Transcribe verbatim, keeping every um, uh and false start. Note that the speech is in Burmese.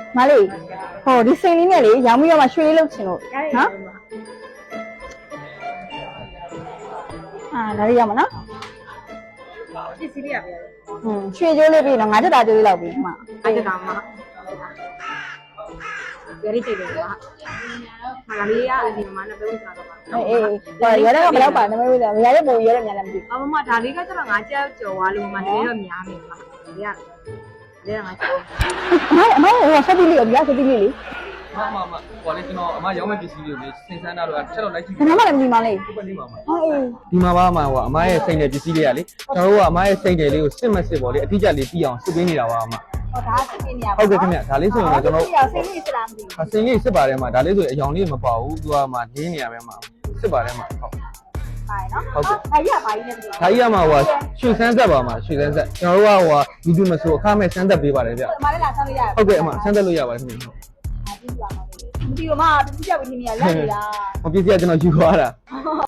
မလေးဟိုဒီစိန်လေးနဲ့လေရောင်းပြီးတော့မှရွှေလေးလုပ်ချင်လို့နော်အာဒါလေးရမနော်ပစ္စည်းလေးရပြရတယ်ဟွန်းရွှေကျိုးလေးပြီးတော့ငါးချက်တာကျိုးလေးလောက်ပြီးမှအားကြတာမှာရရိတိတယ်ကွာမလာလေးရအဒီမှာနှစ်ပဲဝစားတော့ပါအေးအေးဟိုရတဲ့ကဘယ်တော့ပါနမဝေးတယ်ရတဲ့ပုံရတဲ့မြန်လည်းမသိအမမဒါလေးကကျတော့ငါကြောက်ကြော်သွားလို့မမတကယ်တော့များနေပါဒီကဒီကငါကြောက်အမအမဟိုဆက်ပြီးလေးရောဆက်ပြီးလေးလေမမမဟိုလေကျွန်တော်အမရောင်းမဲ့ပစ္စည်းတွေလေစင်စမ်းတာတော့ချက်တော့လိုက်ကြည့်ဘာမှလည်းမသိမှလေးဒီပလေးပါမဟောအေးဒီမှာပါမှာဟိုအမရဲ့စိတ်နယ်ပစ္စည်းတွေကလေကျွန်တော်တို့ကအမရဲ့စိတ်နယ်လေးကိုစစ်မစစ်ပေါ့လေအတိအကျလေးသိအောင်စစ်ပေးနေတာပါအမဟောဒါစစ်ပြီးနေရပါဟုတ်ကဲ့ခင်ဗျဒါလေးဆိုရင်ကျွန်တော်စိတ်လေးစစ်လားမသိစင်လေးစစ်ပါတယ်မှာဒါလေးဆိုရင်အယောင်လေးမပါဘူးသူကမှနင်းနေရပဲမှာစစ်ပါတယ်မှာဟုတ်ပါနော်အဲ့ရပါကြီးနဲ့မသိဒါကြီးကမှဟိုရွှေစမ်းဆက်ပါမှာရွှေစမ်းဆက်ကျွန်တော်တို့ကဟိုယူတူမဆိုအခမဲ့စမ်းသက်ပေးပါတယ်ဗျအမလေးလာဆောင်းလို့ရဟုတ်ကဲ့အမစမ်းသက်လို့ရပါတယ်ခင်ဗျမသိပါဘူးမသိဘူးမတူပြီးနေရလက်နေတာမပစ္စည်းကကျွန်တော်ယူသွားတာ